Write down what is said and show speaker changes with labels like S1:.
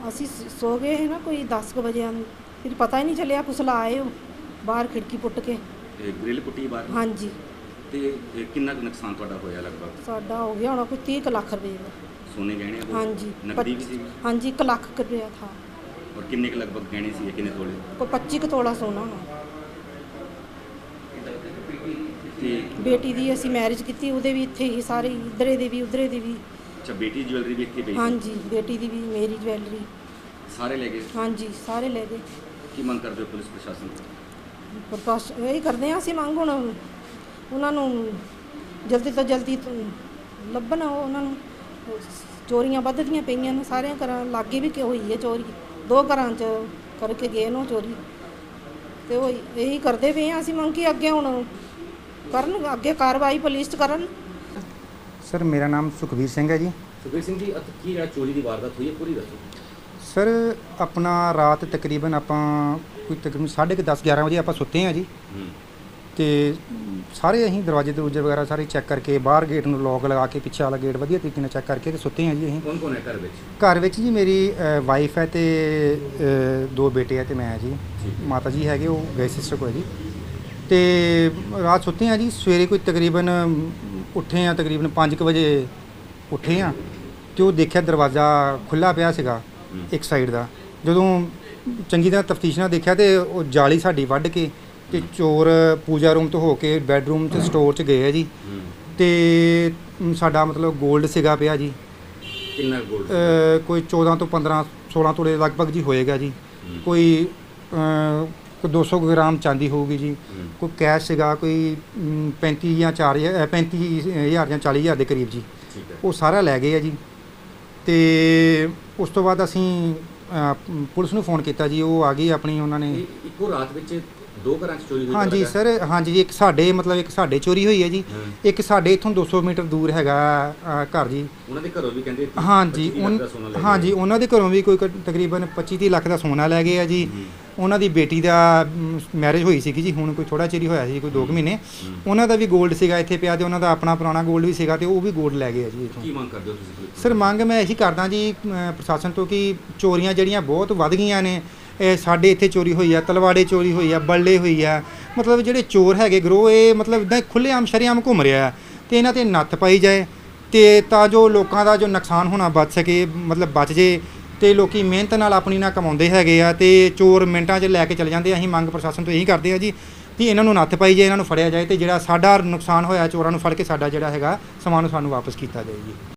S1: ਅਸੀਂ ਸੋ ਗਏ ਸੀ ਨਾ ਕੋਈ 10 ਕੁ ਵਜੇ ਫਿਰ ਪਤਾ ਹੀ ਨਹੀਂ ਚੱਲਿਆ ਕੁਸਲਾ ਆਏ ਉਹ ਬਾਹਰ ਖਿੜਕੀ ਪੁੱਟ ਕੇ।
S2: ਗ੍ਰਿਲ ਪੁੱਟੀ ਬਾਹਰ?
S1: ਹਾਂਜੀ।
S2: ਤੇ ਕਿੰਨਾ ਕੁ ਨੁਕਸਾਨ ਤੁਹਾਡਾ ਹੋਇਆ ਲਗਭਗ?
S1: ਸਾਡਾ ਹੋ ਗਿਆ ਹੋਣਾ ਕੋਈ 30 ਕੁ ਲੱਖ ਰੁਪਏ ਦਾ।
S2: ਸੋਨੇ ਗਹਿਣੇ ਉਹ?
S1: ਹਾਂਜੀ।
S2: ਨਕਦੀ ਵੀ ਸੀ?
S1: ਹਾਂਜੀ 1 ਲੱਖ ਰੁਪया था।
S2: और किन्ने के लगभग गहने सी किन्ने तोले?
S1: कोई 25 ਕੁ ਤੋਲਾ ਸੋਨਾ ਹੋਣਾ।
S2: ਤੇ
S1: ਬੇਟੀ ਦੀ ਅਸੀਂ ਮੈਰਿਜ ਕੀਤੀ ਉਹਦੇ ਵੀ ਇੱਥੇ ਹੀ ਸਾਰੇ ਇਧਰੇ ਦੇ ਵੀ ਉਧਰੇ ਦੇ ਵੀ।
S2: ਅੱਛਾ, बेटी ਦੀ ज्वेलरी भी ਇੱਥੇ ਪਈ?
S1: ਹਾਂਜੀ ਬੇਟੀ ਦੀ ਵੀ ਮੇਰੀ ਜਵੈਲਰੀ
S2: ਸਾਰੇ ਲੈ ਗਏ?
S1: ਹਾਂਜੀ ਸਾਰੇ ਲੈ ਗਏ।
S2: ਕੀ ਮੰਗ ਕਰਦੇ ਹੋ ਪੁਲਿਸ ਪ੍ਰਸ਼ਾਸਨ ਤੋਂ?
S1: ਪ੍ਰਕਾਸ਼ ਇਹੀ ਕਰਦੇ ਹਾਂ ਅਸੀਂ ਮੰਗ ਹੁਣ ਉਹਨਾਂ ਨੂੰ ਜਲਦੀ ਤੋਂ ਜਲਦੀ ਲੱਭਣ ਉਹਨਾਂ ਨੂੰ। ਚੋਰੀਆਂ ਵੱਧਦੀਆਂ ਪਈਆਂ ਨੇ ਸਾਰਿਆਂ ਘਰਾਂ ਲਾਗੇ ਵੀ ਕਿਉਂ ਹੋਈ ਹੈ ਚੋਰੀ। 2 ਘਰਾਂ 'ਚ ਕਰਕੇ ਗਏ ਨੂੰ ਚੋਰੀ ਤੇ ਉਹ ਇਹੀ ਕਰਦੇ ਪਏ ਹਾਂ ਅਸੀਂ ਮੰਗ ਕਿ ਅੱਗੇ ਹੁਣ ਕਰਨ ਅੱਗੇ ਕਾਰਵਾਈ ਪੁਲਿਸ 'ਚ ਕਰਨ।
S3: सर मेरा नाम सुखबीर सिंह है जी।
S2: ਸੁਖਬੀਰ ਸਿੰਘ ਜੀ, ਕੀ ਜਿਹੜਾ ਚੋਰੀ ਦੀ ਵਾਰਦਾਤ ਹੋਈ ਹੈ ਪੂਰੀ ਦੱਸੋ।
S3: सर अपना रात तकरीबन ਆਪਾਂ ਕੋਈ ਤਕਰੀਬਨ 10:30 11 ਵਜੇ ਆਪਾਂ ਸੁੱਤੇ ਹਾਂ ਜੀ। ਤੇ ਸਾਰੇ ਅਸੀਂ ਦਰਵਾਜ਼ੇ ਦਰੂਜੇ ਵਗੈਰਾ ਸਾਰੇ ਚੈੱਕ ਕਰਕੇ ਬਾਹਰ ਗੇਟ ਨੂੰ ਲੌਕ ਲਗਾ ਕੇ ਪਿੱਛੇ ਵਾਲਾ ਗੇਟ ਵਧੀਆ ਤਰੀਕੇ ਨਾਲ ਚੈੱਕ ਕਰਕੇ ਤੇ ਸੁੱਤੇ ਹਾਂ ਜੀ ਅਸੀਂ।
S2: ਕੌਣ ਕੌਣ ਹੈ ਘਰ ਵਿੱਚ?
S3: ਘਰ ਵਿੱਚ ਜੀ ਮੇਰੀ ਵਾਈਫ ਹੈ ਤੇ 2 ਬੇਟੇ ਹੈ ਤੇ ਮੈਂ ਜੀ। ਮਾਤਾ ਜੀ ਹੈਗੇ ਉਹ ਗਏ ਸਿਸਟਰ ਕੋਲ ਜੀ। ਤੇ ਰਾਤ ਸੁੱਤੇ ਹਾਂ ਜੀ। ਸਵੇਰੇ ਕੋਈ ਤਕਰੀਬਨ ਉੱਠੇ ਹਾਂ ਤਕਰੀਬਨ 5 ਵਜੇ ਉੱਠੇ ਹਾਂ ਤੇ ਉਹ ਦੇਖਿਆ ਦਰਵਾਜ਼ਾ ਖੁੱਲ੍ਹਾ ਪਿਆ ਸੀਗਾ ਇੱਕ ਸਾਈਡ ਦਾ। ਜਦੋਂ ਚੰਗੀ ਤਰ੍ਹਾਂ ਤਫਤੀਸ਼ ਨਾਲ ਦੇਖਿਆ ਤੇ ਉਹ ਜਾਲੀ ਸਾਡੀ ਵੱਢ ਕੇ ਤੇ ਚੋਰ ਪੂਜਾ ਰੂਮ ਤੋਂ ਹੋ ਕੇ ਬੈੱਡਰੂਮ ਤੇ ਸਟੋਰ 'ਚ ਗਏ ਆ ਜੀ। ਤੇ ਸਾਡਾ ਮਤਲਬ 골ਡ ਸੀਗਾ ਪਿਆ ਜੀ।
S2: ਕਿੰਨਾ 골ਡ?
S3: ਕੋਈ 14 ਤੋਂ 15 16 ਤੋਲੇ ਲਗਭਗ ਜੀ ਹੋਏਗਾ ਜੀ। ਕੋਈ 200 ਗ੍ਰਾਮ ਚਾਂਦੀ ਹੋਊਗੀ ਜੀ। ਕੋਈ ਕੈਸ਼ ਸੀਗਾ ਕੋਈ 35 ਜਾਂ 35,000 ਜਾਂ 40,000 ਦੇ ਕਰੀਬ ਜੀ। ਉਹ ਸਾਰਾ ਲੈ ਗਏ ਆ ਜੀ। ਤੇ ਉਸ ਤੋਂ ਬਾਅਦ ਅਸੀਂ ਪੁਲਿਸ ਨੂੰ ਫੋਨ ਕੀਤਾ ਜੀ। ਉਹ ਆ ਗਈ ਆਪਣੀ ਉਹਨਾਂ ਨੇ।
S2: ਇੱਕੋ ਰਾਤ ਵਿੱਚ 2 ਘਰਾਂ 'ਚ ਚੋਰੀ ਹੋਈ?
S3: ਹਾਂਜੀ ਸਰ ਹਾਂਜੀ ਜੀ। ਇੱਕ ਸਾਡੇ ਚੋਰੀ ਹੋਈ ਹੈ ਜੀ। ਇੱਕ ਸਾਡੇ ਇੱਥੋਂ 200 ਮੀਟਰ ਦੂਰ ਹੈਗਾ ਘਰ ਜੀ।
S2: ਉਹਨਾਂ ਦੇ ਘਰੋਂ ਵੀ ਕਹਿੰਦੇ?
S3: ਹਾਂਜੀ ਹਾਂਜੀ ਉਹਨਾਂ ਦੇ ਘਰੋਂ ਵੀ ਕੋਈ ਤਕਰੀਬਨ 25-30 ਲੱਖ ਦਾ ਸੋਨਾ ਲੈ ਗਏ ਆ ਜੀ। ਉਹਨਾਂ ਦੀ ਬੇਟੀ ਦਾ ਮੈਰਿਜ ਹੋਈ ਸੀਗੀ ਜੀ ਹੁਣ ਕੋਈ ਥੋੜਾ ਚਿਰ ਹੀ ਹੋਇਆ ਸੀ ਕੋਈ 2 ਮਹੀਨੇ। ਉਹਨਾਂ ਦਾ ਵੀ 골ਡ ਸੀਗਾ ਇੱਥੇ ਪਿਆ ਤੇ ਉਹਨਾਂ ਦਾ ਆਪਣਾ ਪੁਰਾਣਾ 골ਡ ਵੀ ਸੀਗਾ ਤੇ ਉਹ ਵੀ 골ਡ ਲੈ ਗਏ ਆ ਜੀ ਇੱਥੋਂ।
S2: ਕੀ ਮੰਗ ਕਰਦੇ ਹੋ ਤੁਸੀਂ?
S3: ਸਰ ਮੰਗ ਮੈਂ ਇਹੀ ਕਰਦਾ ਜੀ ਪ੍ਰਸ਼ਾਸਨ ਤੋਂ ਕਿ ਚੋਰੀਆਂ ਜਿਹੜੀਆਂ ਬਹੁਤ ਵੱਧ ਗਈਆਂ ਨੇ। ਇਹ ਸਾਡੇ ਇੱਥੇ ਚੋਰੀ ਹੋਈ ਆ, ਤਲਵਾੜੇ ਚੋਰੀ ਹੋਈ ਆ, ਬੱਲੇ ਹੋਈ ਆ। ਮਤਲਬ ਜਿਹੜੇ ਚੋਰ ਹੈਗੇ ਗਰੋਹ ਇਹ ਮਤਲਬ ਇੱਦਾਂ ਖੁੱਲ੍ਹੇਆਮ ਸ਼ਰੇਆਮ ਘੁੰਮ ਰਿਹਾ ਤੇ ਇਹਨਾਂ 'ਤੇ ਨੱਥ ਪਾਈ ਜਾਏ ਤੇ ਤਾਂ ਜੋ ਲੋਕਾਂ ਦਾ ਜੋ ਨੁਕਸਾਨ ਹੋਣਾ ਬਚ ਸਕੇ ਮਤਲਬ ਬਚ ਜੇ। ਤੇ ਲੋਕੀ ਮਿਹਨਤ ਨਾਲ ਆਪਣੀ ਨਾਲ ਕਮਾਉਂਦੇ ਹੈਗੇ ਆ ਤੇ ਚੋਰ ਮਿੰਟਾਂ 'ਚ ਲੈ ਕੇ ਚਲੇ ਜਾਂਦੇ। ਅਸੀਂ ਮੰਗ ਪ੍ਰਸ਼ਾਸਨ ਤੋਂ ਇਹੀ ਕਰਦੇ ਆ ਜੀ ਕਿ ਇਹਨਾਂ ਨੂੰ ਨੱਥ ਪਾਈ ਜਾਏ, ਇਹਨਾਂ ਨੂੰ ਫੜਿਆ ਜਾਏ ਤੇ ਜਿਹੜਾ ਸਾਡਾ ਨੁਕਸਾਨ ਹੋਇਆ ਚੋਰਾਂ ਨੂੰ ਫੜ ਕੇ ਸਾਡਾ ਜਿਹੜਾ ਹੈਗਾ ਸਮਾਨ ਸਾਨੂੰ ਵਾਪਸ ਕੀਤਾ ਜਾਏ ਜੀ।